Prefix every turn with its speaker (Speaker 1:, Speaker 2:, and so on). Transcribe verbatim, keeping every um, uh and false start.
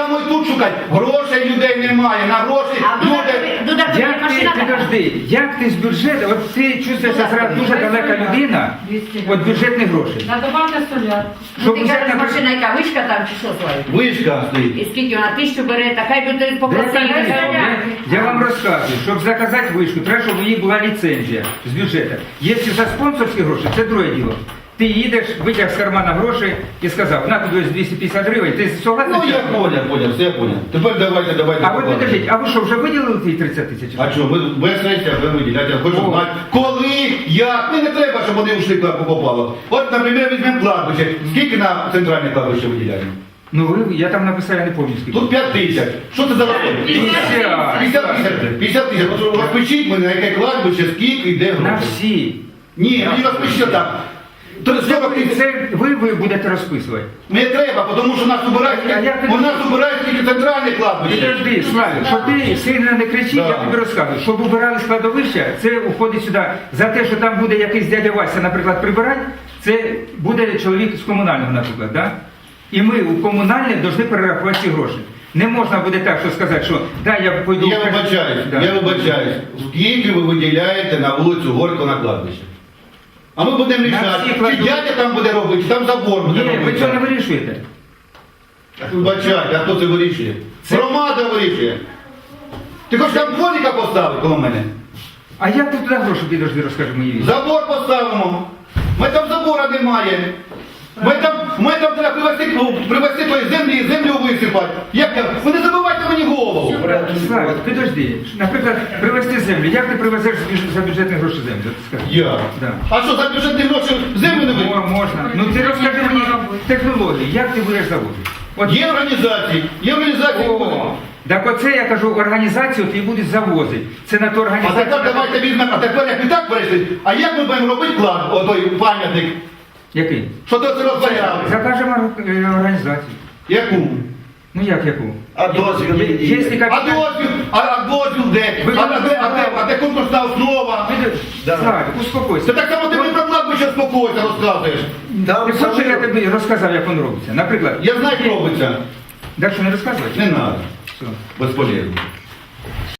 Speaker 1: само і тут шукати. Грошей людей немає, на гроші люди...
Speaker 2: Як ти, підожди, як ти з бюджету, от ти чувствуєшся зараз дуже далека людина, от бюджетних грошей.
Speaker 3: На добавте соляр.
Speaker 2: Щоб
Speaker 4: Ти
Speaker 2: взяти,
Speaker 4: кажеш,
Speaker 2: наприклад,
Speaker 4: машина яка, вишка там чи що своє?
Speaker 1: Вишка стоїть.
Speaker 4: І скільки вона тисячу бере, та хай би ти
Speaker 2: Де
Speaker 4: попросив.
Speaker 2: це є? Я вам розказую, щоб заказати вишку, треба, щоб у її була ліцензія з бюджету. Якщо за спонсорські гроші, це друге діло. Ти їдеш, витяг з кармана гроші і сказав, на тобі ось двісті п'ятдесят гривень, ти согласний?
Speaker 1: Ну я понял, понял, все понял. Тепер давайте, давайте.
Speaker 2: А ви підождіть, а ви що, вже виділили ті тридцять тисяч?
Speaker 1: А що, ви без сесія, ви виділяєте, я хочу
Speaker 2: О.
Speaker 1: знати, коли, як, мені не треба, щоб вони ушли кладку попало. От, наприклад, візьмемо кладбище, скільки на центральне кладбище виділяємо?
Speaker 2: Ну ви, я там написав, я не пам'ятаю скільки.
Speaker 1: Тут п'ять тисяч. Що це за розход?
Speaker 2: п'ятдесят.
Speaker 1: п'ятдесят тисяч. п'ятдесят тисяч. От розпишіть мене, на яке кладбище, скільки, йде
Speaker 2: На
Speaker 1: гроші.
Speaker 2: всі.
Speaker 1: Ні, мені розпишіть так. То сорок тисяч.
Speaker 2: Це ви, ви будете розписувати.
Speaker 1: Не треба, тому що нас убирають,
Speaker 2: А як ти
Speaker 1: у нас убирають тільки центральне кладбище.
Speaker 2: Підожди, Славі, щоб ти сильно не кричиш,
Speaker 1: Да.
Speaker 2: я тобі розказую. Щоб убирали складовища, це входить сюди. За те, що там буде якийсь дядя Вася, наприклад, прибирати, це буде чоловік з комунального, наприклад, да? І ми у комунальне повинні перерахувати ці гроші. Не можна буде так, що сказати, що да, я пойду...
Speaker 1: Я вибачаюсь,
Speaker 2: Да.
Speaker 1: я вибачаюсь. Скільки ви виділяєте на вулицю Горького на кладбище? А ми будемо
Speaker 2: всі
Speaker 1: рішати, чи
Speaker 2: кладовища.
Speaker 1: дядя там буде робити, чи там забор буде
Speaker 2: Ні, ви
Speaker 1: робити.
Speaker 2: цього не вирішуєте.
Speaker 1: Вибачайте, а хто це вирішує?
Speaker 2: Це-
Speaker 1: Громада вирішує. Ти хочеш там дворника поставити коло мене?
Speaker 2: А як ти туди гроші підожди, розкажи мені віці?
Speaker 1: Забор поставимо. Ми там забора немає. Ми там, ми там треба привезти, ну, привезти тої землі, землю висипати. Як там? Ви не забивайте мені голову.
Speaker 2: Славі, підожди. Наприклад, привезти землю. Як ти привезеш за бюджет- за бюджетні гроші землю? Скажи.
Speaker 1: Я.
Speaker 2: Да.
Speaker 1: А що, за бюджетні гроші землю не
Speaker 2: Мо-
Speaker 1: висипати?
Speaker 2: Можна. Ну ти розкажи мені технології, як ти будеш заводити? От
Speaker 1: Є організації, є організації.
Speaker 2: О, так оце я кажу, організацію ти будеш завозити. Це на ту
Speaker 1: А
Speaker 2: організацію.
Speaker 1: тепер давайте візьмемо, а тепер як ми так перейшли, а як ми будемо робити клад, отой пам'ятник,
Speaker 2: Який?
Speaker 1: що то це розбавляли?
Speaker 2: Закажемо е, організацію.
Speaker 1: Яку?
Speaker 2: Ну як яку?
Speaker 5: А дозвіл?
Speaker 2: Є- є
Speaker 1: А
Speaker 2: капіталь-
Speaker 1: дозвіл, а, а дозвіл де?
Speaker 2: Ви-
Speaker 1: А, а, де, а, де, а де конкурсна основа?
Speaker 2: Підожди, Славі, успокойся.
Speaker 1: Це так само ти мені про кладбище спокійно розказуєш.
Speaker 5: Там
Speaker 2: Ти хочеш, щоб я тобі розказав, як воно робиться? Наприклад,
Speaker 1: Я знаю, як робиться.
Speaker 2: так що не розказувати?
Speaker 1: Не треба.
Speaker 2: Все.
Speaker 1: Безполезно.